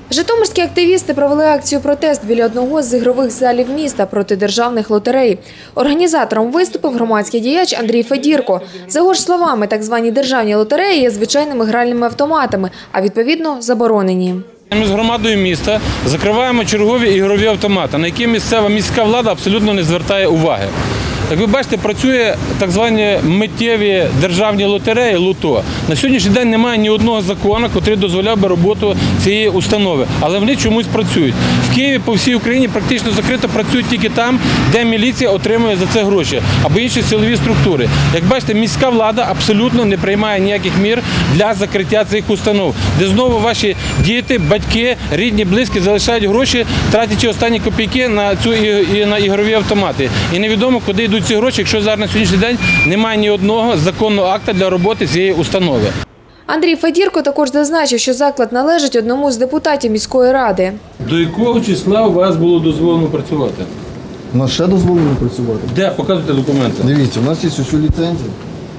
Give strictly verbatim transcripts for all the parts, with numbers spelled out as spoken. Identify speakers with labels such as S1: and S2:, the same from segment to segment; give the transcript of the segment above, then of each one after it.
S1: Житомирські активісти провели акцію «Протест» біля одного з ігрових залів міста проти державних лотерей. Організатором виступив громадський діяч Андрій Федірко. За його ж словами, так звані державні лотереї є звичайними гральними автоматами, а відповідно заборонені.
S2: Ми з громадою міста закриваємо чергові ігрові автомати, на які місцева міська влада абсолютно не звертає уваги. Як ви бачите, працює так звані миттєві державні лотереї «Лото». На сьогоднішній день немає ні одного закону, який дозволяв би роботу цієї установи, але вони чомусь працюють. В Києві по всій Україні практично закрито працюють тільки там, де міліція отримує за це гроші, або інші силові структури. Як бачите, міська влада абсолютно не приймає ніяких мір для закриття цих установ, де знову ваші діти, батьки, рідні, близькі залишають гроші, тратячи останні копійки на цю і на ігрові автомати. І невідомо, куди йдуть ці гроші, якщо зараз на сьогоднішній день немає ні одного законного акта для роботи цієї установи.
S1: Андрій Федірко також зазначив, що заклад належить одному з депутатів міської ради.
S2: До якого числа у вас було дозволено працювати?
S3: У нас ще дозволено працювати.
S2: Де? Показуйте документи.
S3: Дивіться, у нас є усю ліцензію.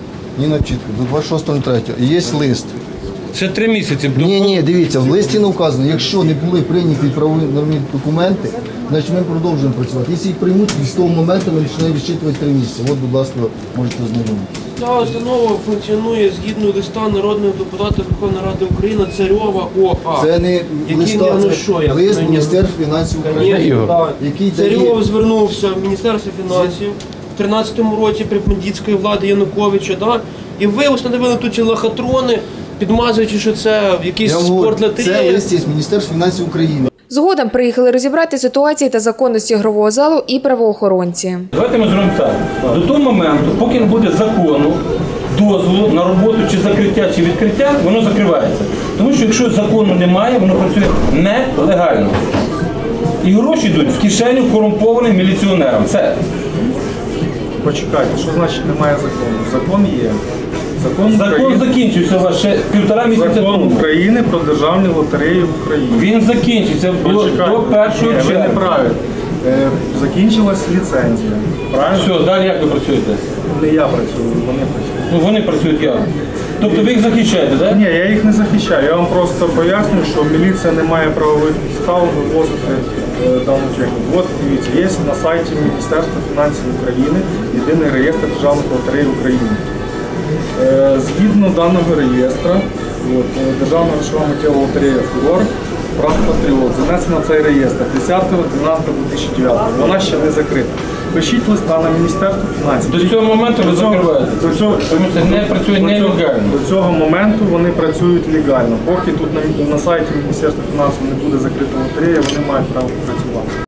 S3: Ні, чітко, до двадцять шостого третього. І є лист.
S2: Це три місяці.
S3: Ні, ні, дивіться, в листі не вказано, якщо не були прийняті правові нормальні документи, значить ми продовжуємо працювати. Якщо їх приймуть, з того моменту ми починаємо відчитувати три місяці. От, будь ласка, можете ознайомитися.
S4: Ця установа функціонує згідно листа народного депутата Верховної Ради України Царьова О А.
S3: Це не листа,
S4: ну,
S3: це
S4: що, як
S3: лист
S4: мені?
S3: Міністерства фінансів України. Який
S4: Царьов звернувся в Міністерство фінансів в тринадцятому році при бандитської влади Януковича, да? І ви установили тут ці лохотрони, підмазуючи, що це якийсь спорт лотереї.
S3: Це лист із Міністерства фінансів України.
S1: Згодом приїхали розібрати ситуації та законності ігрового залу і правоохоронці.
S2: Давайте ми зробимо так. До того моменту, поки не буде закону, дозволу на роботу чи закриття, чи відкриття, воно закривається. Тому що якщо закону немає, воно працює нелегально. І гроші йдуть в кишеню корумпованим міліціонерам. Це.
S5: Почекайте, що значить немає закону? Закон є. Закон,
S2: Закон
S5: України,
S2: закінчився у вас ще півтора місяця
S5: Закон
S2: тому.
S5: України про державні лотереї в Україні.
S2: Він закінчився було
S5: Почекайте.
S2: до першого
S5: Ні, ви не
S2: червня.
S5: праві. Е, закінчилась ліцензія. Правильно?
S2: Все, далі як ви працюєте?
S5: Не я працюю, вони працюють.
S2: Ну вони працюють як? Тобто ви їх захищаєте, так?
S5: Ні, я їх не захищаю. Я вам просто пояснюю, що міліція не має правових підстав вивозити е, дану техніку. От дивіться, є на сайті Міністерства фінансів України єдиний реєстр державних лотерей в Україні. Е, Згідно даного реєстра, от, е, Державна грошова миттєва лотерея «Фурор» «Брат Патріот» занесена в цей реєстр десятого дванадцятого дві тисячі дев'ятого. Вона ще не закрита. Пишіть листа на Міністерство фінансів.
S2: До цього моменту ви закриваєте?
S5: До цього,
S2: Тому що не працює нелегально.
S5: до цього моменту вони працюють легально. Поки тут на, на сайті Міністерства фінансів не буде закрита лотерея, вони мають право працювати.